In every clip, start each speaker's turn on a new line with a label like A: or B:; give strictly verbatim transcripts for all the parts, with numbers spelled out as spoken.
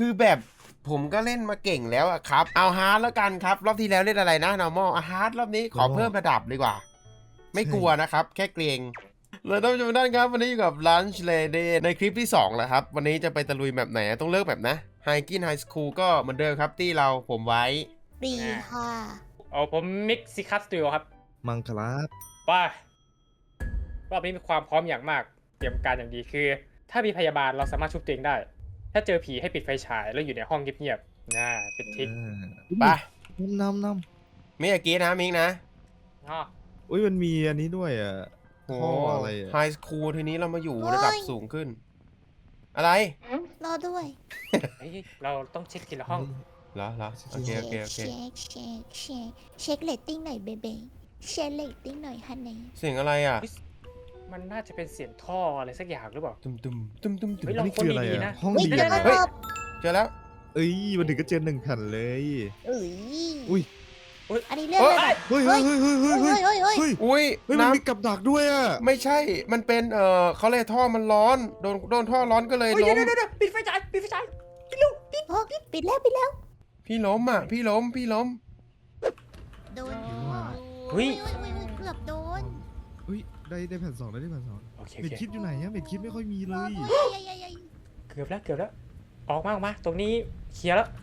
A: คือแบบผมก็เล่นมาเก่งแล้วอะครับเอาฮาร์ดแล้วกันครับรอบที่แล้วเล่นอะไรนะ normal อ่ะฮาร์ดรอบนี้ขอเพิ่มระดับดีกว่าไม่กลัวนะครับแค่เกรงเลยท่านผู้ชมด้านครับวันนี้อยู่กับ Lunch Lady ในคลิปที่สองแล้วครับวันนี้จะไปตะลุยแบบไหนต้องเลือกแบบนะไฮกินไฮสคูลก็เหมือนเดิมครับที่เราผมไว้
B: ปีค่ะ
C: เอาผมมิกซิคัสตูดิโอครับ
D: มังคลาบ
C: ป้ารอบนี้มีความพร้อมอย่างมากเตรียมการอย่างดีคือถ้ามีพยาบาลเราสามารถชุบตัวเองได้ถ้าเจอผีให้ปิดไฟฉายแล้วอยู่ในห้องเงียบๆน่าเป็นทิก
A: ไป
D: น้ำน้
A: ำไม่อยากกินนะมิงนะ
C: อ๋อ
D: อุ้ยมันมีอันนี้ด้วยอ่ะข้ออะไรอ่ะ
A: ไฮสคูลทีนี้เรามาอยู่ระดับสูงขึ้นอะไร
B: รอด้วย
C: เราต้องเช็คทีละห้อง
A: เหรอเหรอโอเคโอเคโอเค
B: เช็คเช็คเช็คเช็คเรตติ้งหน่อยเบเบ้เช็คเรตติ้งหน่อยฮันนี่
A: เสียงอะไรอ่ะ
C: มันน่าจะเป็นเสียงท่ออะไรสักอย่างหรือเปล่า
A: ตุ้มตุ้มตุ้มตุ้มตุ้ม
D: นี่คืออะไรอ่ะห้องดี
A: เฮ้ยเจอแล้ว
D: เอ้ยมันถึงก็เจอหนึ่งแผ่นเลย
B: เอ้ย
D: อุ้ย
B: อันนี้เรื่องอะไร
D: เฮ้ยเฮ้ยเฮ้ยเฮ้ยเฮ้ยเฮ้ยเฮ้ย
A: เฮ้ยอุ้ย
D: เฮ้ยมันมีกับดักด้วยอ่ะ
A: ไม่ใช่มันเป็นเออเขาเลยท่อมันร้อนโดนโดนท่อร้อนก็เลยล้ม
C: ปิดไฟฉายปิดไฟฉายปิดลูกปิด
B: ปิดแล้วปิดแล้ว
A: พี่ล้มอ่ะพี่ล้มพี่ล้ม
B: โดน
C: เฮ้ย
B: เกือบโดน
D: เฮ้ยได้ได้แผ่นสองได้ได้แผ่นสองเม็ดคิดอยู่ไหนอะเม็ดคิดไม่ค่อยมีเลย
C: เกือบแล้วเกือบแล้วออกมาออกมาตรงนี้เคลียร์แล้ว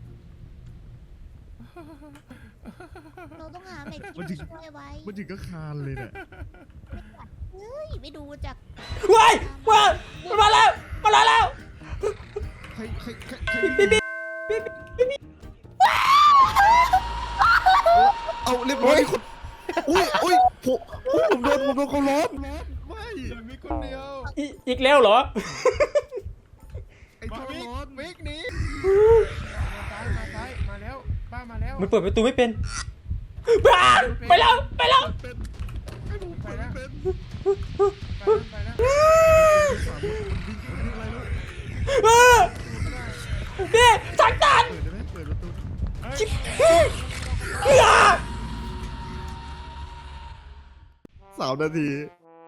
B: เราต้องหาเม็ดคิดช่วยไว้
D: มันถึงก็คานเลยเนี่ย
B: เฮ้ยไม่ดูจาก
C: ว้ายว้ายมาแล้วมาแล้ว
D: ใครใครใครเอาเรียบร้อยคนอุ้ยอุ้ยผมผมโดนผมโดนเขาล้อมไม่มีคนเดียว
C: อีกแล้วเหรอ
D: ไอ้ท่อร้อนมิกหนี
A: มาซ้ายมาแล้วป้ามาแล้ว
C: มันเปิดประตูไม่เป็นบ้าไปแล้วไปแล้ว
A: ไปแล้วไปแล้ว
C: พี่สังตันชิบ
D: สามนาที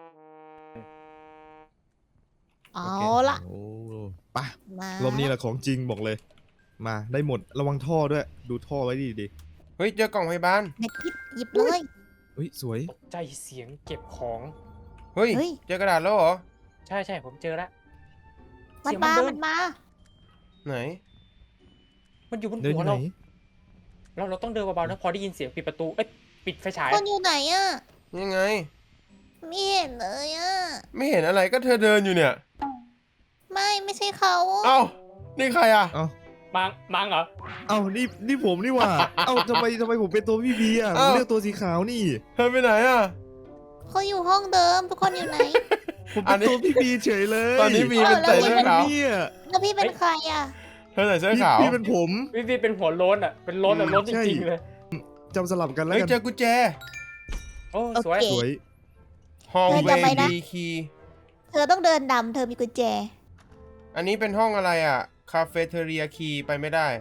B: เอาละ
D: ไปรอบนี้แหละของจริงบอกเลยมาได้หมดระวังท่อด้วยดูท่อไว้ดีดี
A: เฮ้ยเจอกล่องพยาบาล
B: เม็ดคิดหยิบเลย
D: เฮ้ยสวย
C: ตกใจเสียงเก็บของ
A: เฮ้ยเจอกระดาษแล้วเหรอ
C: ใช่ใช่ผมเจอแล้ว
B: มันมามันมา
A: ไหน
C: มันอยู่บนหัวเราเราเราต้องเดินเบาๆนะพอได้ยินเสียงปิดประตูเอ้ยปิดไฟฉาย
B: คนอยู่ไหนอ่ะ
A: ยังไง
B: ไม่เห็นเลยอ่ะ
A: ไม่เห็นอะไรก็เธอเดินอยู่เนี่ย
B: ไม่ไม่ใช่เขา
A: เอ้านี่ใครอ่ะ
D: เอ้า
C: มังมังเหรอ
D: เอ้านี่นี่ผมนี่ว่าเอ้าทำไมทำไมผมเป็นตัวพี่บีอ่ะผมเลือกตัวสีขาวนี่
A: เธอไปไหนอ่ะ
B: เขาอยู่ห้องเดิมทุกคนอยู่ไหน
D: ผมเป็นตัวพี่บีเฉยเลย
A: ตอนนี้บีเป็นใส่เสื้อขาว
B: แล้วพี่เป็นใครอ่ะ
A: เธอใส่เสื้อขาว
D: พี่เป็นผม
C: พี่บีเป็นหัวโล้นอ่ะเป็นโล้นแบบโล้นจริงๆเลย
D: จำสลับกันแล้วกัน
A: เจอกุญแจ
C: โอ้สวย
D: สวย
A: ห้องเวบีคี
B: เธอต้องเดินดำเธอมีกุญแจ
A: อันนี้เป็นห้องอะไรอ่ะคาเฟ่เทเรียคีไปไม่ได้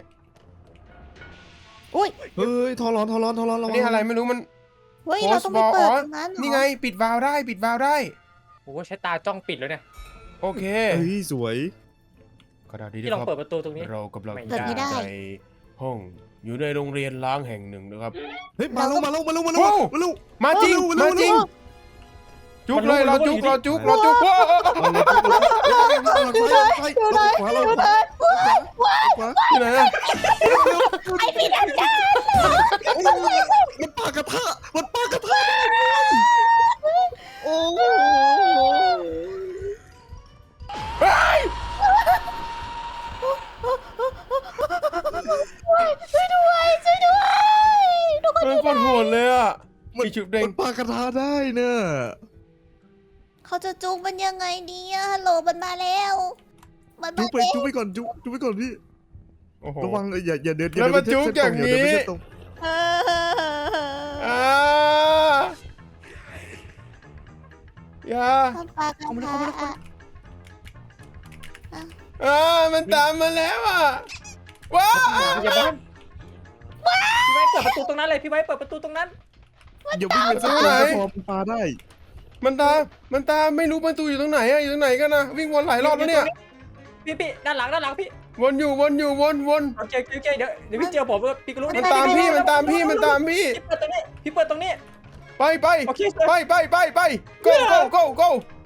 B: อุ้ย
D: เฮ้ยทอร้อนทอร้อนทอร้อน
A: นี่อะไรไม่รู้มัน
B: เฮ้ยเราต้องไปเปิดตรงนั้น
A: นี่ไงปิดวาล์วได้ปิดวาล์วได้
C: โอ้ใช้ตาจ้องปิดเลยเนี่ย
A: โอเค
D: เฮ้ยสวย
A: ก็ได้ดี
C: ที่ลองเปิดประตูตรงนี้
A: เรากำลังในห้องอยู่ในโรงเรียนล้างแห่งหนึ่งนะครับ
D: เฮ้ยมาแล้วมาแล้วมาแล้วมาแล้วมาแล้ว
A: มาจริงมาจริงจุกเลยเราจุกเราจุกเราจุกว้าวที่ไหนอะ
B: ไอพี่ดันจ้า
D: มันปากกระทะมันปากกระทะโอ้
B: ช่วยด้วยช่วยด้วยทุกคน
A: มันโคตรโหดเลยอะ
D: มันจุกเด้งมันปากกระทะได้เนอะ
B: เขาจะจุกมันยังไงดีอะฮัลโหลมันมาแล้ว
D: มันจุกไปจุกไปก่อนจุกจุกไปก่อนพี่ระวังอย่าอย่าเดิน
A: แล้วมาจุกอย่างนี้อย่า
B: ปากกระทะ
A: อ่ามันตามมาแล้วอ่ะว้าว
C: อย่าบ้านพี่ไว้เปิดประตูตรงนั้นเลยพี่ไว้เปิดประตูตรงนั้น
D: อย่าวิ่งไปสักไหนพอปาได้
A: มันตามมันตามไม่รู้ประตูอยู่ตรงไหนอะอยู่ตรงไหนกันนะวิ่งวนหลายรอบแล้วเนี่ย
C: พี่พี่ด้านหลังด้านหลังพี่
A: วนอยู่วนอยู่วนวน
C: โอเคโอเคเดี๋ยวเดี๋ยวพี่เจอผมพี่ก็รู้
A: มันตามพี่มันตามพี่มันตามพี่
C: พี่เปิดตรงนี้พี่เปิดตรงนี้
A: ไปไป
C: โอเค
A: ไปไปไปไป go go go go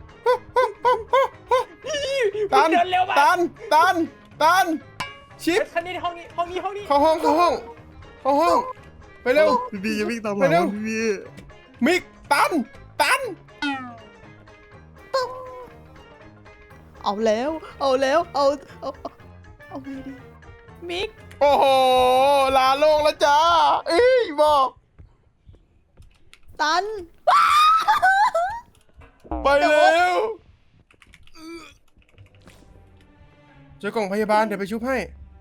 A: ตัน
C: เดินเร็วมาก
A: ตันตันตันชิป
C: คันนี้ห้องนี้ห้องนี้ห้องนี้
A: เข้าห้องเข้าห้องเข้าห้องไปเร็ว
D: พี่บีอย่าวิ่งตามห
A: ไป
D: ลัง
A: เร็ว
D: พี่บี
A: มิกตันตัน
B: เอาแล้ว เอาแล้ว เอาเอาเอาไงดีมิก
A: โอ้โหลาโลกแล้วจ้าเอ้ยบอก
B: ตัน
A: ไปแล้วเจอกล่องพยาบาลเดี๋ยวไปชุบให้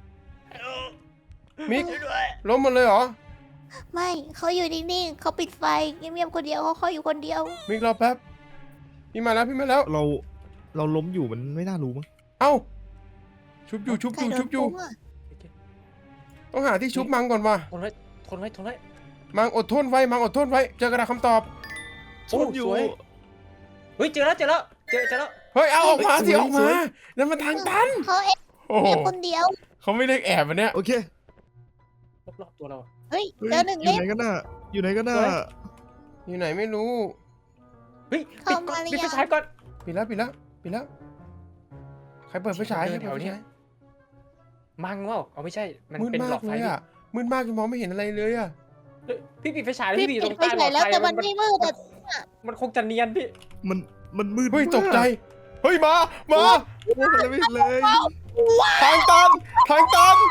A: มิกล้มหมดเลยเหรอ
B: ไม่เขาอยู่นิ่งๆเขาปิดไฟเงียบๆคนเดียวเขาคอยอยู่คนเดียว
A: มิกรอแป๊บพี่มาแล้วพี่มาแล้ว
D: เราเราล้มอยู่มันไม่น่ารู้มั้ง
A: เอ้าชุบอยู่ชุบ
B: ใค
A: อ
B: ร
A: ยู่
B: โด
A: ชุ
B: น
A: บอยู่
B: ปุ้งอะ
A: ต้องหาที่ชุบมังก่อนว่ะ
C: ทนไว้ทนไว้ทนไว้
A: มังอดทนไว้มังอดทนไว้เจอกระดาษคำตอบ
C: โอ้สวยเฮ้ยเจอแล้วเจอแล้วเจอเจอแล้ว
A: เฮ้ยเอาออกมาสิออกมานั่นมันทางตัน
B: เขาเอ็
A: โอ้โห
B: บคนเดียว
A: เขาไม่เรียกแอบอันเนี้ย
D: โอเค
C: รอบๆตัวเรา
B: เฮ้ย
D: เฮ้ย
B: เจอหนึ่ง
D: อยู่
B: เล่ม
D: ไหนกันน่ะอยู่ไหนกันน่ะ
C: สวย
A: อยู่ไหนไม่รู้
C: เฮ้ย
B: เข้า
C: ปิดก่อน
B: มาหรือ
C: ปิดไฟ
B: ยัง
C: ฉายก่อน
A: ปิดแล้วปิดแล้วปิดแล้วใครเปิดไฟฉาย
C: เดิ
A: ใคร
C: น
A: เปิดไฟ
C: แถวนี้
A: ฉาย
C: มังว่าเอาไม่ใช่มัน
A: มืด
C: เป็น
A: มา
C: หลอก ดไฟ
A: เลยอ่ะมืดมากจนมองไม่เห็นอะไรเลยอ่ะ
C: เฮ้ยพี่ปิดไฟฉายแล้ว
B: พี่
C: พี่อยู่
B: ปิ
C: ต
B: ด
C: รง
B: ไฟ
C: ใต้หล
B: ฉา
C: อย ด
B: แล้ว
C: ไฟ
B: แต่มัน
C: มัน
B: ไม่มืดแต่
C: มันคงจะเนียนพี่
D: มันมันมืด
A: เฮ้ย
D: มาก
A: ตกใจเฮ้ยมามา
D: โอ้ยมันไม่เห็นเลย
A: ทางตันทางตัน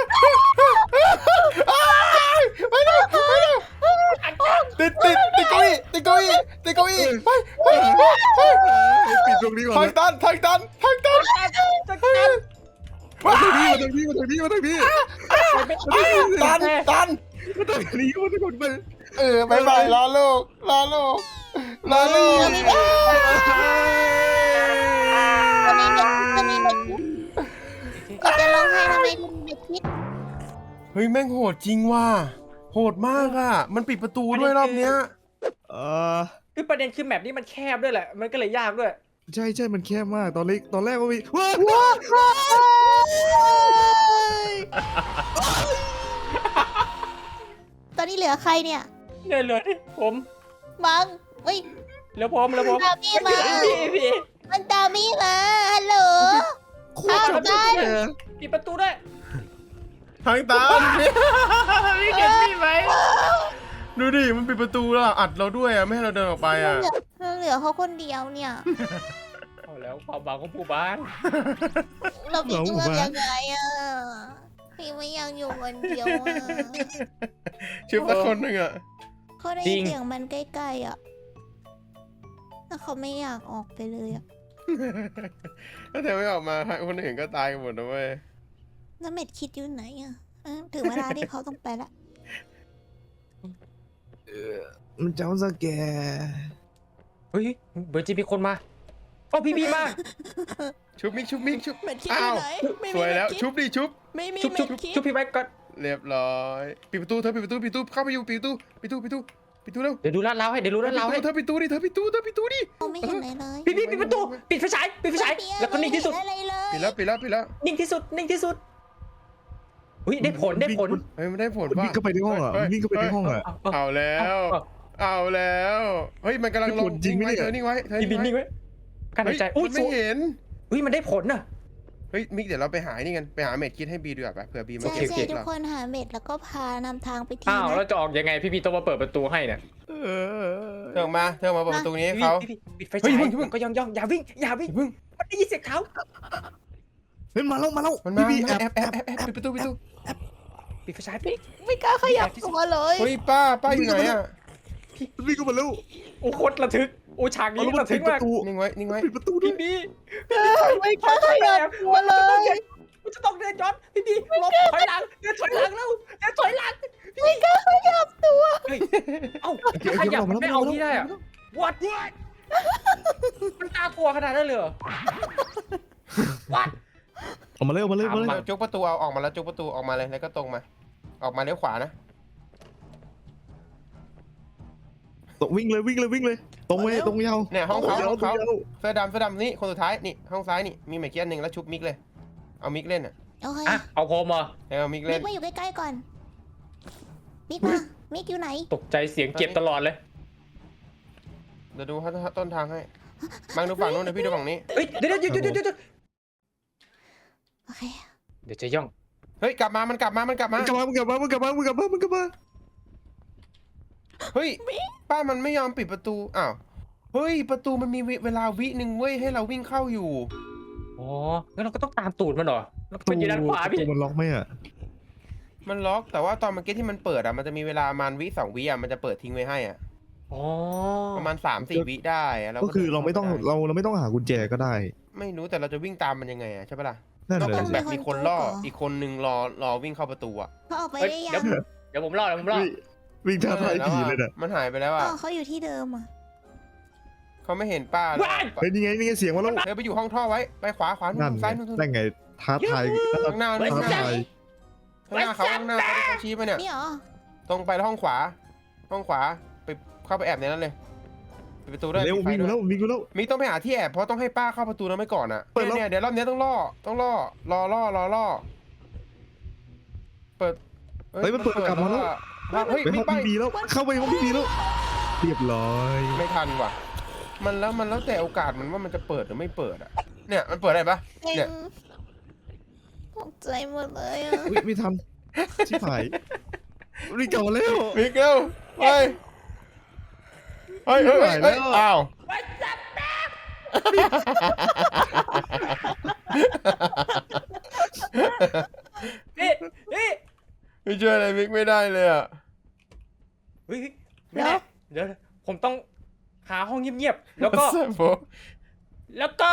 A: อ้ายไปเร็วไปเร็วติดติดติดเก้าอี้ติดเก้าอี้ติดเก้าอี้ไปไปไปไป
D: เฮ้ยปิดตรงนี้ก่อน
A: ทาง
D: นะ
A: ตันทางตันทางตัน
D: มาทางนี้มาทางนี้มาทางนี้มาทางนี้
A: ตันตัน
D: มาทางนี้มาทางนี้
A: เออบายบายลาโลกลาโลกลาโลก
B: วันนี้เด็กวันนี้เด็กก็จะร้องไห้ทำไมถึงเด็กคิด
A: เฮ้ยแม่งโหดจริงว่ะโหดมากอ่ะมันปิดประตูด้วยรอบเนี้ย
D: เออ
C: คือประเด็นคือแมปนี้มันแคบด้วยแหละ มันก็เลยยากด้วย
D: ใช่ใช่มันแคบมากตอนแรกตอนแรกก็มีว้า
B: ตอนนี้เหลือใครเนี่ย
C: เนี่ยเหลือที่ผม
B: มังเฮ้ย
C: เหลือผมเหลือผม
B: ตามพี่มา
C: พี่พี่
B: มันตามพี่มาฮัลโหล
D: โคตรจับได้
C: ปิดประตูด้วย
A: ทางตันพี่เก็บพี่ไหมดูดิมันปิดประตูแล้วอัดเราด้วยอ่ะไม่ให้เราเดินออกไปอ่ะ
B: เหลือเขาคนเดียวเนี่ย
C: เอาแล้วความหวังของผู้บ้าน
B: เราพี่จะเลือกยังไงอ่ะพี่ไม่อยากอยู่คนเดียวอ่ะ
A: ชิปสักคนหนึ่งอ่ะ
B: เขาได้ยินเสียงมันใกล้ๆอ่ะแต่เขาไม่อยากออกไปเลยอ่ะ
A: ถ้าเธอไม่ออกมาคนอื่นก็ตายกันหมดนะเว้ย
B: แล้วเม็ดคิดอยู่ไหนอ่ะเออถึงเวลาที่เขาต้องไปละ
D: มันเจ้าสแก
C: เฮ้ยเบอร์จีมีคนมาโอ้พี่บีมา
A: ชุบมิกชุบมิกชุบ
B: เม็ดคิดอยู่ไหนไม่
A: ส
B: มี
A: วยแล้ว
B: เม็ดคิด
A: ชุบดิชุบ
B: ไม่มี
C: ชุบชุ
B: เม็
C: บ
B: ดคิด
C: ชุบพี่ไว้ก่อน
A: เรียบร้อยปิดประตูเธอปิดประตูปิดประตูเข้าไปอยู่ปิดประตูปิดประตูปิดประตูปิดประตูเร็ว
C: เดี๋ยวดูลาดเราให้เดี๋ยวดูลาดเราให้
A: เธอปิดประตูดิเธอปิดประตูเธอปิดประตูดิ
B: เขาไม่เห็นอะไรเลย
C: พี่บีปิดประตูปิดไฟฉายปิดไฟฉายแล้วก็นิ่งที่สุด
B: ไม่เห็นอะไรเลย
A: ปิดแล้วปิดแล้วปิดแล้ว
C: นิ่งที่สุดนิ่งที่สุดอุ้ยได้ผลได้ผล
A: เฮ้ยมันได้ผล
D: มัน
A: ป่ะ
D: วิ่งเข้าไปในห้องอ่ะมันวิ่งเข้าไปในห้องอ่ะ
A: เอาแล้ว เอาแล้วเฮ้ยมันกำลังลง
D: จริงไหม
A: ไว้
D: เนี่ย
A: เธอนิ่งไว้เธอ
C: พี่บินนิ่งไว้การหายใจ
A: อุ้
C: อุ้
A: ย
C: ย
A: ไม่เห็น
C: อุ้ยมันได้ผลน่ะ
A: เฮ้ยมิกเดี๋ยวเราไปหานี่กันไปหาเม็ดคิดให้บีดีกว่าปะเผื่อบีมา
B: ใช่
A: เก็บ
B: ใช่
A: เก็บ
B: ทุก
A: เรา
B: คนหาเม็ดแล้วก็พานำทางไปที
C: อ้าว
B: นะ
C: แล้วจะออกยังไงพี่บีต้องมาเปิดประตูให้เนี่ย
D: เออ
A: เธอออกมาเธอมาเปิดประตูนี้ให้
C: พี่
A: เขา
C: พี่ปิดไฟ
A: เฮ้
C: ฉาย ย
A: เพิ่งเพิ่ง
C: ก็ย่องย่องอย่าวิ่งอย่าวิ่ง
A: อย่าเพิ่ง
C: มันได้ยินเสียงเท้า
D: เฮ้ยมาแล้วมาแล้ว
A: มันมา
D: พี่
A: แอ
D: แอ
A: บบ แอบแอบแอบปิดประตูปิดประตู
C: ปิดไฟฉายพี่
B: ไม่กล้าขยับตัวเลย
A: เฮ้ยป้าป้าอยู่ไหนอ่ะ
D: วิ่งเข้ามาแล้ว
C: โอ้โคตรระทึกโอ้ฉากนี้
D: เอาแล้วมั
C: ระ
D: น
C: ทึ
D: ปิ
C: ก
D: ดป
C: มาก
D: ระตู
A: นิ่งไว้นิ่งไว้
D: ปิดประตูด้ว
C: พี่
D: ย
C: บี
B: ไม่กล้าขยับตัวเลย
C: กูจะต้องเดินย้อนพี่บีหลบถอยหลังเดินถอยหลังแล้วเดินถอยหลัง
B: ไม่กล้าขยับตัว
C: เฮ้ยเอ้าขยับมันไม่เอาที่ได้อะ what มันตากลัวขนาดนั้นเลยเหรอ what
D: ออกมาเลยออกมาเลยออกมาเลย
C: มา
A: จุกประตูเอาออกมาแล้วจุกประตูออกมาเลยแล้วก็ตรงมา ออกมาเลี้ยวขวานะ
D: ตรงวิ่งเลยวิ่งเลยวิ่งเลย ตรงไปตรงยาว
A: เนี่ยห้องเขา
D: ตร
A: ห้อง
D: ตร
A: เขา
D: ยาว
A: เสื้อดำเสื้อดำนี่คนสุดท้ายนี่ห้องซ้ายนี่มีเม็ดคิดอันหนึ่งแล้วชุบมิกเลยเอามิกเล่นอ่ะ
B: โ
E: โอเค
C: อ่ะเอาโฮมเหรอ
A: เอามิก
E: มิ
A: เล่
E: ก
A: น
E: มาอยู่ใกล้ๆก่อนมิกมามิกอยู่ไหน
C: ตกใจเสียงเจ็บตลอดเลย
A: เดี๋ยวดูต้นทางให้มังดูฝั่งนู้นเดี๋ยวพี่ดูฝั่งนี้
C: เฮ้ยเดี๋ยวเดี๋ยวเดี๋ยวเดี๋ยวเดี๋ยว
E: โอเค
C: เดี๋ยวจะย่อง
A: เฮ้ยกลับมามันกลับมามันกลับมา
D: มึงกลับมามึงกลับมามึงกลับมามึงกลับมามึงกลับมา
A: เฮ้ยป้ามันไม่ยอมปิดประตูอ้าวเฮ้ยประตูมันมีเวลาวิหนึ่งเว้ยให้เราวิ่งเข้าอยู่
C: อ๋องั้นเราก็ต้องตามตูดมันเหรอแล้วมันอยู่ด้านขวา
D: ประ
C: พี่
D: ตูมันล็อกไหมอ่ะ
A: มันล็อกแต่ว่าตอนเมื่อกี้ที่มันเปิดอ่ะมันจะมีเวลามันวิสองวิอ่ะมันจะเปิดทิ้งไว้ให้อ่ะ
C: อ๋อ
A: ประมาณสามสี่วิได้อะเรา
D: ก็คือเราไม่ต้อง
A: ดินข้
D: เราเราไม่ต้องหากุญแจก็ได้
A: ไม่รู้แต่เราจะวิ่งตามมันยังไงอ่ะใช่ปะล่ะ
D: นั่น
A: ก็
D: เล
A: ค
D: ย
A: งแบบมีคนล่ออีกคนนึงรอรอวิ่งเข้าประตูอ่ะ
E: เขาออกไป
C: เฮ้ย
E: ได้
C: เดี๋
E: ยั
C: ยว
E: ง
C: เดี๋ยวผมรอดเดี๋ยวผมรอด
D: วิ่งท้าทาย
A: ออ
D: ผี
A: แว
D: เลย
A: อะ
D: เนี่ย
A: มันหายไปแล้ว
E: อ๋
A: อ่ะ
E: อเขาอยู่ที่เดิมอ่ะ
A: เขาไม่เห็นป้าเลย
C: ว้าย
D: เฮ้ยนี่ไงนี่ไงเสียงมาแล้ว
A: เธอไปอยู่ห้องท่อไว้ไปขวาขวานู่
D: นั่น
A: น
D: ไง
A: ซ้ายนู่นนู่น
D: นั่นไงท้าทาย
A: ข้างหน้านู่น
D: ท้า
A: ข้างหน้า
D: ทาย
A: ข้างหน้าเขาข้างหน้าเขาที่เขาชี้ไปเนี่ย
E: นี่เหรอ
A: ตรงไปห้องขวา ห้องขวาไปเข้าไปแอบในนั้นเลยปิดประตูด้วย
D: เร็ว
A: ปิดไฟ
D: วิ่ง
A: ด้
D: แล้ว
A: วย
D: วิ่งแล้ว
A: มิกต้องไปหาที่แอบเพราะต้องให้ป้าเข้าประตูนั้นไปก่อนอ่ะ
D: เปิดแล้ว
A: เนี่ยเนี่ยเดี๋ยวรอบนี้ต้องล่อต้องล่อรอล่อรอล่อเปิด
D: เฮ้ยมันเปิดกลับมาแล้ว
A: ว่าเฮ้ย
D: ไปห้
A: มิ
D: อก ง
A: ไป
D: พี่บีแล้วเข้าไปห้องพี่บีแล้วเรียบร้อย
A: ไม่ทันว่ะ มันแล้วมันแล้วแต่โอกาสมันว่ามันจะเปิดหรือไม่เปิดอ่ะเนี่ยมันเปิดได้ปะ
E: เอ็
A: เนี่ย
E: งตกใจหมดเลยอ่ะ
D: อุ๊ยไม่ทันชิบหายรีบกลับมาแล้ว
A: มิกเร็วไปเฮ้ยเฮ้ยเฮ้ยเฮ้ยอ้าว
C: นี่นี่
A: ไม่ช่วยอะไรมิกไม่ได้เลยอ่ะ
C: เฮ้ยไม่ได้เดี๋ยวผมต้องหาห้องเงียบๆแล้วก็
A: แซ่บโบ
C: แล้วก็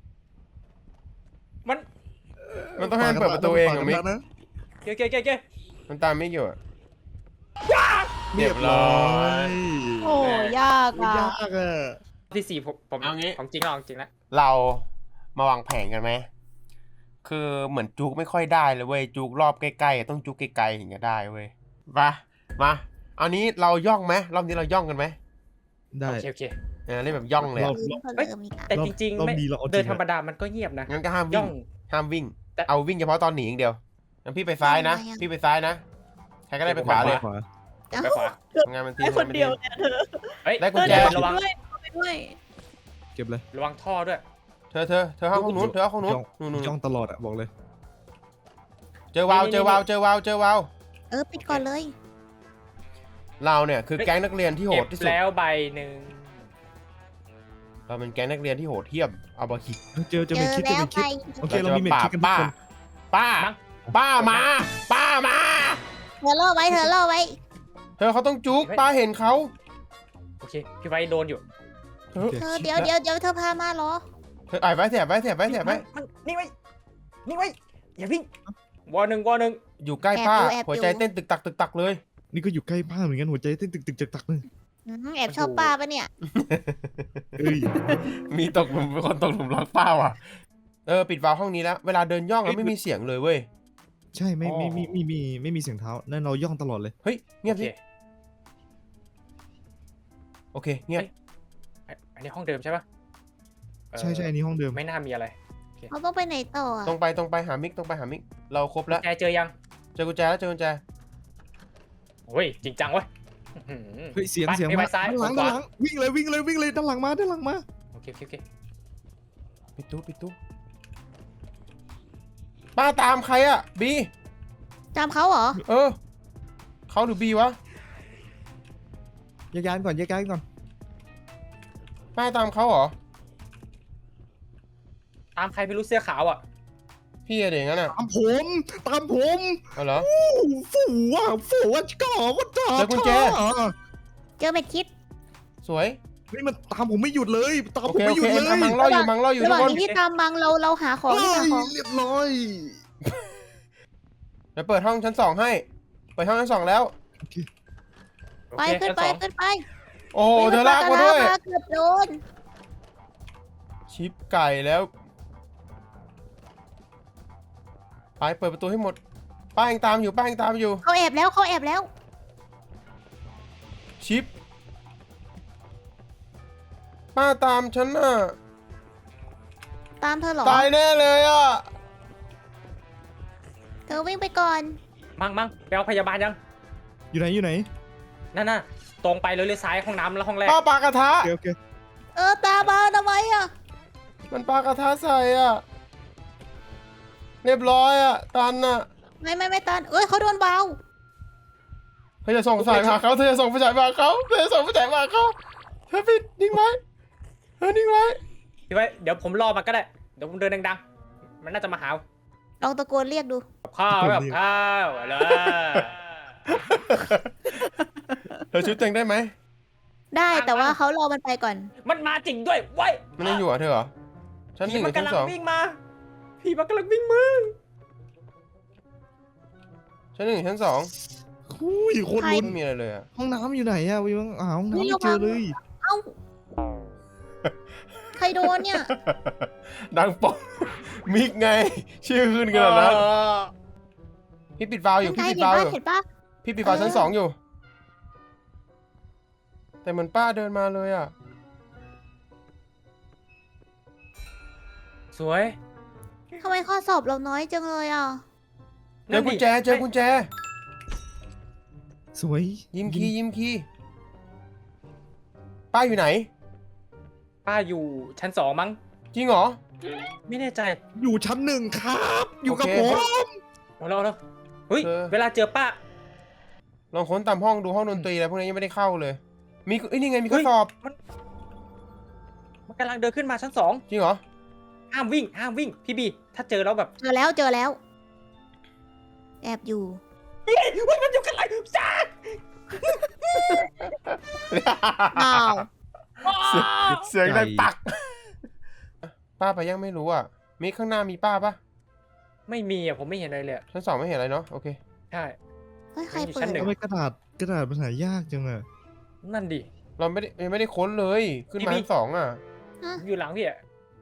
C: มัน
A: มันต้องให้มันเปิดประตูเองอะมิก
D: นะ
C: เก๋เก๋เก๋เก๋
A: มันตามมิกอยู่อะ
D: เรียบร้อย
B: โอ้ยากอ่ะ
D: ยากอ่ะ
C: ที่สี่ผมผม
A: เอางี้
C: ของจริงแล้วของจริงแล้ว
A: เรามาวางแผนกันไหมคือเหมือนจุกไม่ค่อยได้เลยเว้ยจุกรอบใกล้ๆต้องจุกไกลๆถึงจะได้เว้ยมามาเอานี้เราย่องไหมรอบนี้เราย่องกันไหม
D: ได้
C: โอเคโอเค
A: เออเล่นแบบย่องเลย
D: ร
A: อะ
D: อบ
E: มีคนเดิมอีกอ่ะ
C: แต่จริง
D: รอบ
C: ๆไม่
D: นี้เราเอาจริง
C: เดิน
D: อะ
C: ธรรมดามันก็เงียบนะ
A: งั้นก็ห้าม
C: ย่
A: วิ่
C: อง ง
A: ห้ามวิ่ง
C: แต่
A: เอาวิ่งเฉพาะตอนหนีอย่างเดียวงั้นพี่ไปซ้ายนะ พี่ไปซ้ายนะใครก็ได้ไปขวาเลย
D: ขวา
C: ไปขวา
A: ทำงานมันที
B: ไอ้คนเดียวเนี่ยเธอ
C: เฮ้ย
A: ได้กุญ
B: เธอ
A: แจ
B: เดี๋ยว
C: ระวัง
B: ด้วยไปด้วย
D: เก็บเลย
C: ระวังท่อด้วย
A: เธอเธอเธอห้องนู้นเธอห้องนู้น
D: ย่อง
A: นู่นนู่น
D: ย่องตลอดอ่ะบอกเลย
A: เจอวาวเจอวาวเจอวาวเจอวาว
E: เออปิดก่อนเลย
A: เราเนี่ยคือแก๊งนักเรียนที่โห
C: เก็
A: ด
C: บ
A: ที่สุด
C: แล้วใบหนึ่ง
A: เราเป็นแก๊งนักเรียนที่โหดเหี้ยมเอาบาคิด
D: เจอเจอ
E: เจ
D: เม
E: อ
D: คิดเจอ
E: แล้ว
D: เม
E: ไป
D: คิดโอเค
A: เรา
D: เรา
A: จะ
D: มี
A: มา
D: เม
A: ปรา
D: คิ
A: บ
D: ดกันทุก
A: ป้า
D: คน
A: ป้า ป้ามา ป้ามา
E: เธอล่อไว้เธอล่อไว้
A: เธอเขาต้องจุกป้าเห็นเขา
C: โอเคพี่ไว้โดนอยู่
A: เธอ
E: เธอเดี๋ยวเดี๋ยวเดี๋ยวเธอพามาเหรอ
A: เธออ่ายไว้เสียบไว้เสียบไว้เสียบไว้
C: มันนิ่งไว้นิ่งไว้อย่าวิ่งวอหนึ่งวอหนึ่ง
A: อยู่ใกล้ป้า
E: แอบอยู่แอบอยู่
A: หัวใจเต้นตึกตักตึกตักเลย
D: นี่ก็อยู่ใกล้บ้านเหมือนกันหัวใจเต้นตึกตึกจักตักเลย
E: อืมแอบชอบป้าปะเนี่ย
D: เอ้ย
A: มีตกหลุมเป็นคนตกหลุมรักป้าว่ะเออปิดวาล์วห้องนี้แล้วเวลาเดินย่องแล้วไม่มีเสียงเลยเว้ย
D: ใช่ไม่ไม่ไม่ไม่มีไม่มีเสียงเท้านั่นเราย่องตลอดเลย
A: เฮ้ยเงียบ
C: โอเค
A: สิโอเคเงียบ
C: อันนี้ห้องเดิมใช่ปะเอ่อ
D: ใช่ใช่อันนี้ห้องเดิม
C: ไม่น่ามีอะไร
E: เขาต้องไปไหนต่ออ่ะ
A: ตรงไปตรงไปหามิกตรงไปหามิกเราครบแล้ว
C: แกเจอยัง
A: เจอกุญแจแล้วเจอกุญแจ
C: โอ้ยจริงจังเว้ยอื้อหือ
D: เฮ้ยเสียง
C: ไป
D: เสียง
C: ไป
D: มา
C: ซ้าย
D: ด้านหลัง
C: ขวา
D: ด้านหลังวิ่งเลยวิ่งเลยวิ่งเลยด้านหลังมาด้านหลังมา
C: โอเคโอเคโอเค
A: ปิดตู้ปิดตู้ป้าตามใครอะบี
E: จำเขาเหรอ
A: เออเขาหรือบีวะ
D: แยกย้ายก่อนแยกย้ายก่อน
A: ป้าตามเขาเหรอ
C: ตามใครไม่รู้เสื้อขาวอ่ะ
A: พี่อะไรอย่างนั้นอะ
D: ตามผมตามผม
A: เอาเหรอ
D: ฝูอ่ะฝูอ่ะก่อว่าจ่า
A: เจอกุญแจ
E: เจอเม็ดคิด
A: สวย
D: นี่มันตามผมไม่หยุดเลยตาม
A: โอ
D: ผม
A: เค
D: ไม่
A: โอ
D: หยุ
A: เค
D: ดเลย
A: อ่ะมังล่ออยู่มังล่ออยู่
E: ระห
A: ทุก
E: ว่าง
A: คน
E: นี้พี่ตามมังเราเราหาของ
D: เฮ้
E: ที่หาย ของ
D: เรียบร้อย
A: เดี๋ยวเปิดห้องชั้นสองให้เปิดห้องชั้นสองแล้ว
C: โอ
E: ไป
C: เค
E: ขึ้นไป
C: ชั้นสอง
E: ขึ้นไป
A: โอ้โหเธอลากมาด้วย
E: เกือบโดน
A: ชิปไก่แล้วไปเปิดประตูให้หมดป้ายังตามอยู่ป้ายังตามอยู่
E: เขาแอบแล้วเขาแอบแล้ว
A: ชิปป้าตามฉันน่ะ
E: ตามเธอเหรอ
A: ตายแน่เลยอ่ะ
E: อวิ่งไปก่อน
C: มั่งมั่งไปเอาพยาบาลยัง
D: อยู่ไหนอยู่ไหน
C: นั่นน่ะตรงไปเลยเลยซ้ายห้องน้ำแล้วห้องแรก
A: ป้าปากระทะ
D: โอเคโอเค
E: เออตาบาทำไมอ่ะ
A: มันปากระทะใส่อ่ะ เรียบร้อยอ่ะ ตันอ่ะ
E: ไม่ไม่ไม่ตันเอ้ยเขาโดนเบา
A: เธอจะส่งสายมาเขาเธอจะส่งไฟฉายมาเขาเธอจะส่งไฟฉายมาเขาเธอปิดนิ่งไว้เธอนิ่งไว้
C: พี่ไว้เดี๋ยวผมรอมันก็ได้เดี๋ยวผมเดินดังๆมันน่าจะมาหา
E: ลองตะโกนเรียกดู
C: กับข้าวกับข้าวอะไร
A: เธอชุดเต็งได้ไหม
E: ได้แต่ว่าเขารอมันไปก่อน
C: มันมาจริงด้วยไว้
A: มันยังอยู่อ่ะเธอเหรอชั้นห
C: ผี
A: นึ่งห
C: มั
A: รือชั้น
C: กำลัง
A: สอง
C: วิ่งมาผีมันกำลังวิ่งมา
A: ชั้นหนึ่งหรือชั้นสอง
D: อุ้ยโคนลุ้น
A: ไม่มีอะไรเลยอ่ะ
D: ห้องน้ำอยู่ไหนอะวิวหาห้องน้ำ
E: นี่
D: ไม่
E: ระวัง
D: เจอเลย
E: เอ้าใครโดนเนี่ย
A: ดังปอกมิกไง ชื่อขึ้นกันแล้วพี่ปิดวาล์วอยู่
E: ใก
A: พี่
E: ล้
A: ปิด
E: เห็น
A: วาล์ว
E: ปะ
A: อยู่
E: เห็นปะ
A: พี่ปิดวาล์ว
E: เออ
A: ชั้นสองอยู่ แต่เหมือนป้าเดินมาเลยอ่ะ
C: สวย
E: ทำไมข้อสอบเราน้อยจังเลยอ่ะ
A: เจอกุญแจเจอกุญแจ
D: สวย
A: ยิ้มคียิ้มคีป้าอยู่ไหน
C: ป้าอยู่ชั้นสองมั้ง
A: จริงเหรอ
C: ไม่แน่ใจ
D: อยู่ชั้นหนึ่งครับ อยู่กับ
A: โอเค
D: ผม
C: เอาแล้วเอาแล้วเฮ้ย
A: เออ
C: เวลาเจอป้า
A: ลองค้นตามห้องดูห้องดนตรีอะไรพวกนี้ยังไม่ได้เข้าเลย มีเอ้ยนี่ไงมีข้อ
C: เฮ้ย
A: สอบ
C: มันกำลังเดินขึ้นมาชั้นสอง
A: จริงเหรอ
C: ห้ามวิ่งห้ามวิ่งพี่บีถ้าเจอแล้วแบบ
E: เจอแล้วเจอแล้ว แอบอยู่
C: เฮ้ยเฮ้ยมันอยู่กันไรจ้า
E: อ้าว
A: เสียงดังปัก ป้าไปยังไม่รู้อ่ะ มีข้างหน้ามีป้าปะ
C: ไม่มีอ่ะผมไม่เห็นอะไรเลยอะ
A: ชั้นสองไม่เห็นอะไรเนาะโอเค
C: ใช่
E: เฮ้ยใคร
C: อยู่
E: เปิ
C: ชั้
E: ด
C: นหนึ่ง
D: ทำไมกระดาษกระดาษมันหายากจังอะ
C: นั่นดิ
A: เราไม่ได้ยังไม่ได้ค้นเลย ขึ้นมา
C: พี่
A: ชั้นสองอ่ะ
C: อยู่หลังพี่อ่ะ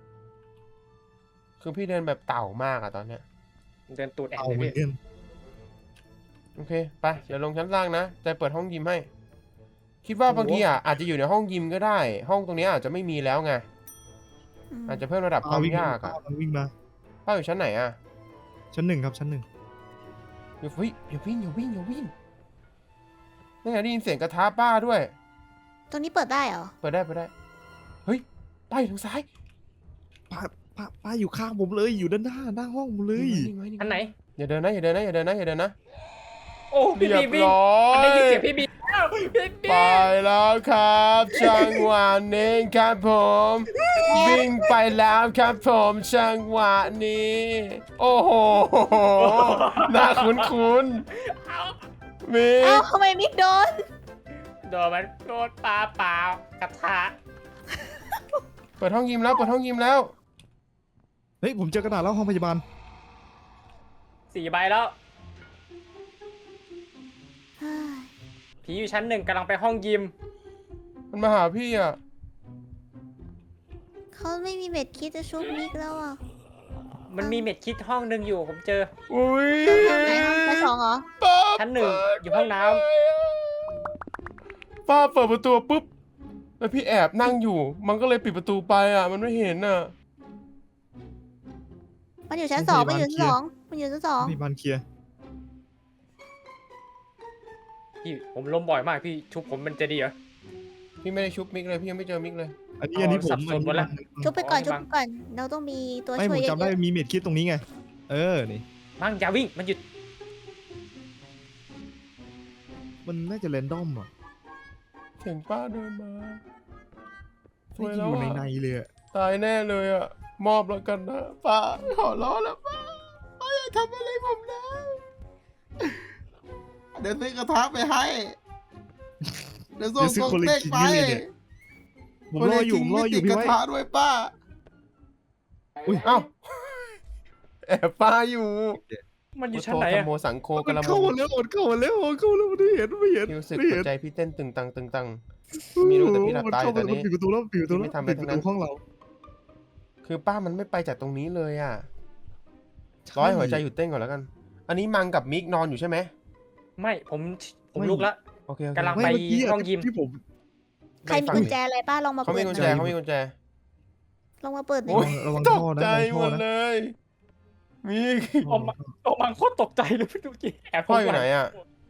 A: คือพี่เดินแบบเต่ามากอ่ะตอนเนี้ย
C: เดินตูดแอบ
D: เอา
C: เลย
D: เหมือ
C: พี่
D: นกัน
A: โอเคไปเดี๋ยวลงชั้นล่างนะจะเปิดห้องยิมให้ คิดว่าบางทีอ่ะอาจจะอยู่ในห้องยิมก็ได้ ห้องตรงเนี้ยอาจจะไม่มีแล้วไง
E: อืม
A: อาจจะเพิ่มระดับความยากอ่ะ
D: มันวิ่งมา
A: ป้าอยู่ชั้นไหนอ่ะ
D: ชั้นหนึ่งครับชั้นหนึ่ง
A: อย่าวิ่งอย่าวิ่งอย่าวิ่งอย่าวิ่งนี่ไงได้ยินเสียงกระทะป้าด้วย
E: ตรงนี้เปิดได้เหรอ
A: เปิดได้เปิดได้ เฮ้ยป้าอยู่ทางซ้าย
D: ป้าป้าป้าอยู่ข้างผมเลย อยู่ด้านหน้าหน้าห้องผมเลย
A: นิ่งไว้นิ่งไว้
C: อันไหน
A: อย่าเดินนะอย่าเดินนะอย่าเดินนะอย่าเดินนะ
C: โอ้พี่
A: เรีย
C: บี
A: บ
C: วิ่ง
A: ร้อ
C: มันได้
A: ย
C: ยินเสียงพี่บีแล้วพี่บี
A: ไปแล้วครับจังหวะนี้ครับผม วิ่งไปแล้วครับผมจังหวะนี้ โอ้โหน่าคุ้นคุ้นๆมิ
E: เอ้าก ทำไมมิกโดน
C: โดนมันโดนปลาเปล่ากระทะ
A: เปิดห้องยิมแล้วเปิดห้องยิมแล้ว
D: เฮ้ยผมเจอกระดาษแล้วห้องพยาบาล
C: สี่ใบแล้ว
E: เฮ้ย
C: ผีอยู่ชั้นหนึ่งกำลังไปห้องยิม
A: มันมาหาพี่อ่ะ
E: เขาไม่มีเม็ดคิดจะชุบมิกแล้วอ่ะ
C: มันมีเม็ดคิดห้องหนึ่งอยู่ผมเจอ
A: อุ้ย
E: เจอห้องไหนห้องชั้นสองเหรอ
A: ป้า
C: ชั้นหนึ่งอยู่ห้องน้ำ
A: ป้าเปิดประตูปุ๊บแล้วพี่แอบนั่งอยู่ มันก็เลยปิดประตูไปอ่ะ มันไม่เห็นอ่ะ
E: มันอยู่ชั้นสองมันอยู่ชั้นสองมันอยู่ชั้นสอง
D: พยาบาลเคลียร์
C: พี่ผมล้มบ่อยมากพี่ชุบผมมันจะดีเหรอ
A: พี่ไม่ได้ชุบมิกเลยพี่ยังไม่เจอมิกเลย
D: อันนี้อันนี้ผม
C: สับสนหมดละ
E: ชุบไปก่อน
C: อ๋อ
E: ชุบไปก่อน เราต้องมีตัว
D: ไม่
E: ช่
D: ผ
E: วย
D: ม
E: เย
D: จำได้
E: อะ
D: มีเม็ดคิดตรงนี้ไง เออนี่
C: มั่งอย่าวิ่งมันหยุด
D: มันน่าจะแรนดอมอ่ะ
A: เสียงป้าเดินมาสวย
D: ไม่
A: แล้ว
D: อยู่ใน
A: อ่ะ
D: ในเลยอะ
A: ตายแน่เลยอ่ะ มอบแล้วกันนะป้าขอร้องแล้วป้าป้าอย่าทำอะไรผมนะ เดี๋ยวซื้อกระทะไปให้ เดี๋ยวส่ง
D: เดี๋ยวซื้อ
A: ส่ง
D: คนละ
A: เต็ก
D: ชิ้น
A: ไป
D: นี่เลยเนี่ยผมรออยู่ผมรออยู่
A: คนละ
D: พี่
A: ชิ้นไม่ติดก
D: ไว้
A: ระทะด้วยป้า
D: อุ้ย
A: เอ้าแอบป้าอยู่
C: มันอยู่ชั้นไหน
A: โท
C: อะ
A: โมสังโคก
D: มัน
A: ระม
D: เข้าม มาแล้วมันเข้ามาแล้วมันเข้ามาแล้วไม่เห็นไม่เห็น
A: พี่รู้สึก
D: ไม่
A: หั
D: เห็
A: วน ใจพี่เต้นตึงตังตึงตังไม่รู้แต่พี่หลับตาอยู่ตอนนี้
D: มัเข้ามาปิดประตูแล้วปิดประตูแล้ว
A: ไม่ทำอะไร
D: ปิดป
A: ทั้
D: ระ
A: งนั้
D: ตู
A: น
D: ห้องเรา
A: คือป้ามันไม่ไปจากตรงนี้เลยอ่ะ ร้อยหัวใจหยุดเต้นก่อนแล้วกัน อันนี้มังกับมิกนอนอยู่ใช่ไหม
C: ไม่ผมผมลุกละ
A: โอเคโอเค
C: กำลัง
D: ไม่
C: ไป
D: เมื่อกี้อะ
C: ห้องยิม
D: ที่ผม
E: ๆใครมีกุญแจอะไรป้าลองมา
A: เขา
E: เปิ
A: มี
E: ด
A: กุญ
E: ห
A: แจ
E: น่อย
A: เขามีกุญแจ
E: ลองมาเปิดหน่
A: โอ้
E: อย
A: ย
D: ระวัง
A: ต
D: ท่
A: ก
D: อนะ
A: ใจ
D: ระวัง
A: หม
D: ท่อ
A: ด
D: นะ
A: เลยมี
C: ออกมาออกมาโคตรตกใจเลยพี่ดูกี้แอบ
A: พ่ออยู่ไหนอะ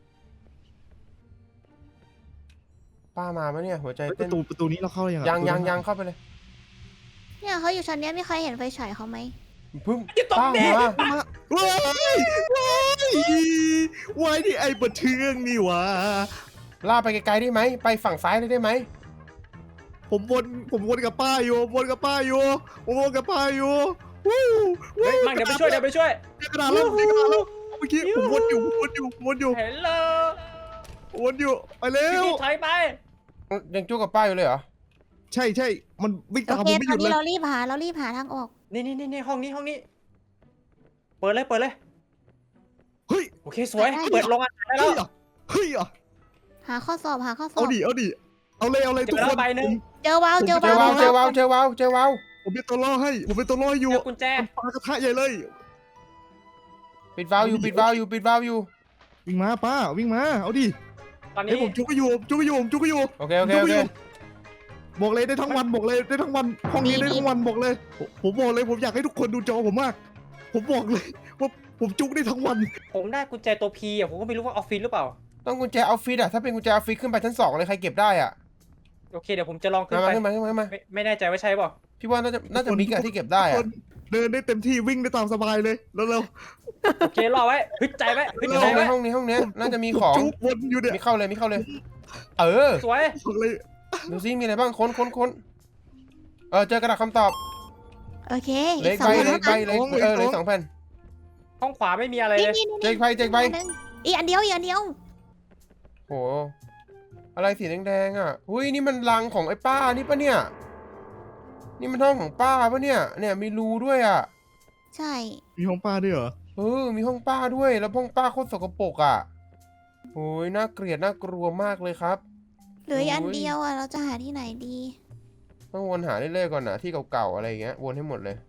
A: ป้ามาปะเนี่ย หัวใจ
D: เฮ้ยป
A: เต้น
D: ระตูประตูนี้เราเข้าได้ยังอะ
A: ยังยัง
D: ประตูนั้น
A: ยังเข้าไปเลย
E: เนี่ยเขาอยู่ชั้นเนี้ยมีใครเห็นไฟฉายเขาไหม
A: พึ่ง
C: จะตก
A: ป้า
C: แน่
A: มา
D: มาว้ายว้ายว้ายนี่ไอ้บะเทืองนี่หวะ
A: ล่าไปไกลๆได้ไหม ไปฝั่งซ้ายเลยได้ไหม
D: ผมวนผมวนกับป้าอยู่ผมวนกับป้าอยู่ผมวนกับป้าอยู่วู้
C: เฮ้ยมั่งเดี๋ยวไปช่วยเดี๋ยวไปช่วย
D: เจอกระดาษแล้วเจอกระดาษแล้วเมื่อกี้ผมวนอยู่ผมวนอยู่ผมวนอยู่
C: เห็นเลย
D: ผมวนอยู่ไปเร็
C: พี่
D: ว
C: กี้ถอยไป
A: ยังจู้กับป้าอยู่เลยเหรอ
D: ใช่ใช่มันวิ่ง
E: โอ
D: ตาม
E: เค
D: ผมไม่ห
E: ตอ
D: ยุ
E: น
D: ดเล
E: นี้
D: ย
E: เรารีบหาเรารีบหาทางออก
C: นี่นี่นี่นี่ห้องนี้ห้องนี้ เปิดเลยเปิดเลย
D: เฮ้ย
C: โอเคสวย
E: ได้
C: เปิดโรงอาหารได้แล้
D: เฮ้ยว อ่ะเฮ้ยอ่ะ
E: หาข้อสอบหาข้อสอ
D: เอา
E: บ
D: ดิเอาดิเอาเลยเอาเลย
C: เจอ
D: ทุก
C: แล้
D: ค
C: วน ใบหนึ่ง
E: เจอวาวเจอ
A: เจอ
E: วาว
A: วาวเจอวาวเจอวาวเจอวาว
D: ผมเป็นตัวล่อให้ผมเป็นตัวล่ออยู่
C: เจอกุญแจ
D: มันปากระทะใหญ่เลย
A: ปิดวาล์วอยู่ปิดวาล์วอยู่ปิดวาล์วอยู่
D: วิ่งมาป้าวิ่งมาเอาดิ
C: ตอน
D: เฮ้ย
C: นี้
D: ผมจุกก็อยู่ผมจุกก็อยู่ผมจุกก็อยู่
A: โอเคโอเคโอเค
D: บอกเลยได้ทั้งวันบอกเลยได้ทั้งวันห้องนี้ได้ทั้งวันบอกเลย ผมผมบอกเลยผมอยากให้ทุกคนดูจอผมมาก ผมบอกเลยว่าผมจุกได้ทั้งวัน
C: ผมได้กุญแจตัวพีอ่ะผมก็ไม่รู้ว่าออฟฟิศหรือเปล่า
A: ต้องกุญแจออฟฟิศอะถ้าเป็นกุญแจออฟฟิศขึ้นไปชั้นสองเลยใครเก็บได้อะ
C: โอเคเดี๋ยวผมจะลองขึ้น
A: มา
C: ไป
A: มาขึ้นมาขึ้นมาขึ้นมา
C: ไม่ไม่แน่ใจว่าใช่เปล่า
A: พี่ว่าน่าจะน่าจะมิกอะที่เก็บได้
D: ทุกค
A: อะ
D: นเดินได้เต็มที่วิ่งได้ตามสบายเลยแล้วเรา
C: โอเครอไว้ฮึดใจไว้ฮึด
A: ใน
C: ใจ
A: ห้องใน
C: ไว้
A: ห้องนี้ห้องเนี้ยน่าจะมีของ
D: จุกวนอยู่เนี่ย
A: มีเข้าเลยมีเข้าเลย เออ
C: สวย
D: บอกเลย
A: ดูซิมีอะไรบ้างค้นค้นค้นเออเจอกระดาษคำตอบ
E: โอเค
A: เหล
E: อี
A: ย
E: กส
A: ใบ
E: อง
A: เหล
E: แล้
A: ยว ใบเลยเออเหลยสองแผ่น
C: ห้องขวาไม่มีอะไร
E: นี่
C: เลย
E: นี่นี่
A: เจ๊กใบเจ๊กใบ
E: อันหนึ่งอีกอันเดียวอีกอันเดียว
A: โหอะไรสีแดงๆอ่ะหุ้ยนี่มันรังของไอ้ป้านี่ปะเนี่ย นี่มันห้องของป้าปะเนี่ย เนี่ยมีรูด้วยอ่ะ
E: ใช่
D: มีห้องป้าด้วยเหรอ
A: เออมีห้องป้าด้วยแล้วห้องป้าโคตรสกปรกอ่ะโอ้ยน่าเกลียดน่ากลัวมากเลยครับ
E: เหลืออีกอัน
A: โอ้ย
E: เดียวอ่ะเราจะหาที่ไหนดี
A: ต้องวนหาเรื่อยๆก่อนนะที่เก่าๆอะไรอย่างเงี้ยวนให้หมดเลย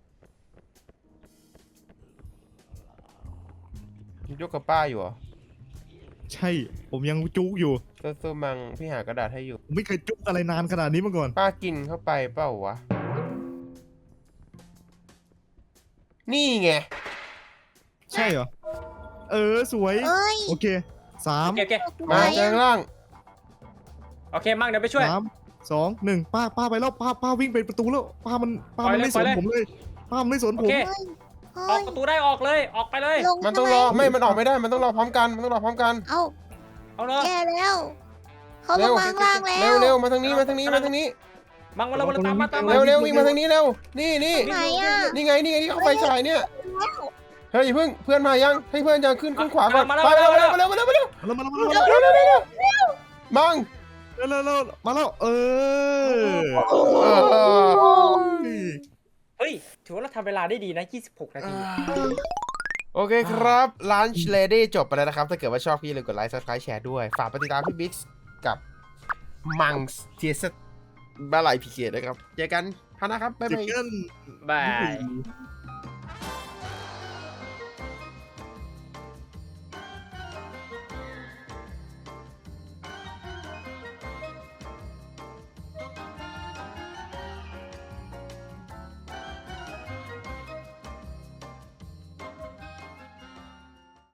A: ยกกับป้าอยู่เหรอ
D: ใช่ผมยังจุกอยู่
A: เซอร์เซอร์มังพี่หากระดาษให้อยู่
D: ผมไม่เคยจุกอะไรนานขนาดนี้มาก่อน
A: ป้ากินเข้าไปเปล่าวะ นี่ไง
D: ใช่เหรอเออสวย
E: เอ้ย
D: โอเคสาม
C: โอเคโอเค
A: มา
E: ไหน
A: เจอ
E: อะ
A: ข้างล่าง
C: โอเคมั่งเดี๋ยวไปช่วย
D: สามสองหนึ่งป้าป้าไปแล้วป้าป้าวิ่งไปประตูแล้วป้ามันป้ามัน
C: ปล่อยเลย
D: ไม่สน
C: ปล่อยเลย
D: ผมเลยป้ามันไม่สน
C: โอ
D: ผม
C: เค
E: เฮ้ย
C: ออ
E: เฮ้
C: ก
E: ย
C: ประตูได้ออกเลยออกไปเลย
E: ลง
A: มันต้องรอไม่มันออกไม่ได้มันต้องรอพร้อมกันมันต้องรอพร้อมกัน
E: เอ้า
C: เอาเลย
E: แย่แล้วเขาล
A: เร็
E: ง
A: ว
E: มาข้างล่างแล้ว
A: เร็วเร็วมาทางนี้มาทางนี้มาทางนี้
C: มั่งมาเลยมาเลยตามมาตามมา
A: เร็วเร็ววิ่งมาทางนี้เร็วนี่นี่
E: ไหนอ่ะ
A: นี่ไงนี่ไงที่เขาไฟฉายเนี่ย
E: แล้ว
A: เฮ้ยอย่าเพิ่งเพื่อนมายังให้เพื่อนจะขึ้นขึ้นขวาก่อน
C: มาแล้ว
A: ไป
C: มาแล้
A: เร็ว
C: ว
A: เร็วเร็วเร็วเร็ว
D: แล้วมาแล้วมา
A: เร็
D: แล้ว
A: วเร็วเร็วเร็วมัง
D: มาแล้วแล้วมาแล้วเออ
A: เออ
C: เฮ้ยถือว่าเราทำเวลาได้ดีนะยี่สิบหกนาที
A: โอเคครับ Lunch Lady จบไปแล้วนะครับ ถ้าเกิดว่าชอบพี่อย่าลืมกดไลค์ Subscribe แชร์ด้วย ฝากไปติดตามพี่บิ๊กกับมังส์เทียสบาไลพีเคนะครับ เจอกันพานะครับ บ๊าย
D: เจ
A: บา
D: อย กัน
C: บาย